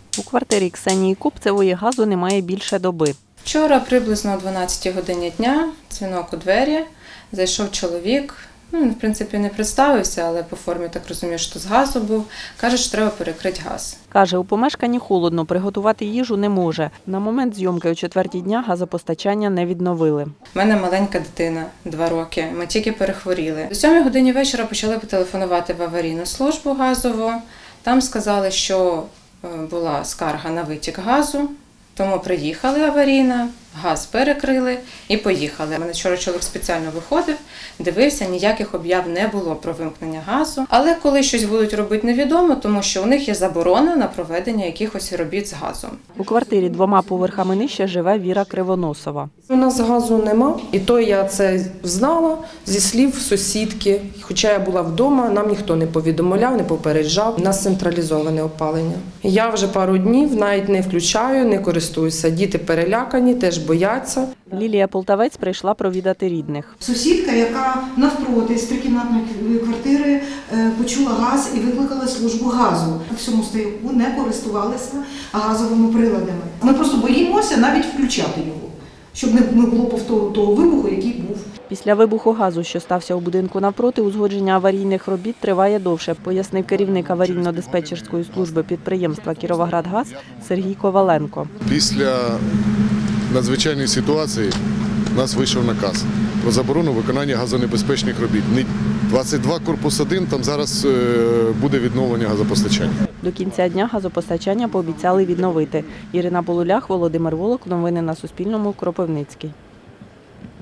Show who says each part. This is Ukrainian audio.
Speaker 1: У квартирі Ксенії Купцевої газу немає більше доби.
Speaker 2: Вчора приблизно о 12 годині дня дзвінок у двері, зайшов чоловік, він в принципі не представився, але по формі так розумію, що з газу був, каже, що треба перекрити газ.
Speaker 1: Каже, у помешканні холодно, приготувати їжу не може. На момент зйомки о 4-й дня газопостачання не відновили.
Speaker 2: У мене маленька дитина, 2 роки, ми тільки перехворіли. О 7 годині вечора почали телефонувати в аварійну службу газову. Там сказали, що була скарга на витік газу, тому приїхали аварійна, газ перекрили і поїхали. У мене вчора чоловік спеціально виходив, дивився, ніяких об'яв не було про вимкнення газу. Але коли щось будуть робити, невідомо, тому що у них є заборона на проведення якихось робіт з газом.
Speaker 1: У квартирі 2 поверхами нижче живе Віра Кривоносова.
Speaker 3: У нас газу нема, і то я це знала зі слів сусідки. Хоча я була вдома, нам ніхто не повідомляв, не попереджав. У нас централізоване опалення. Я вже пару днів навіть не включаю, не користуюся. Діти перелякані, теж бояться.
Speaker 1: Лілія Полтавець прийшла провідати рідних.
Speaker 4: Сусідка, яка навпроти з трикімнатної квартири почула газ і викликала службу газу. У всьому стояку не користувалися газовими приладами. Ми просто боїмося навіть включати його, щоб не було повтору того вибуху, який був.
Speaker 1: Після вибуху газу, що стався у будинку навпроти, узгодження аварійних робіт триває довше, пояснив керівник аварійно-диспетчерської служби підприємства «Кіровоградгаз» Сергій Коваленко.
Speaker 5: Після надзвичайної ситуації у нас вийшов наказ про заборону виконання газонебезпечних робіт. 22 корпус 1, там зараз буде відновлення газопостачання.
Speaker 1: До кінця дня газопостачання пообіцяли відновити. Ірина Полулях, Володимир Волок. Новини на Суспільному. Кропивницький.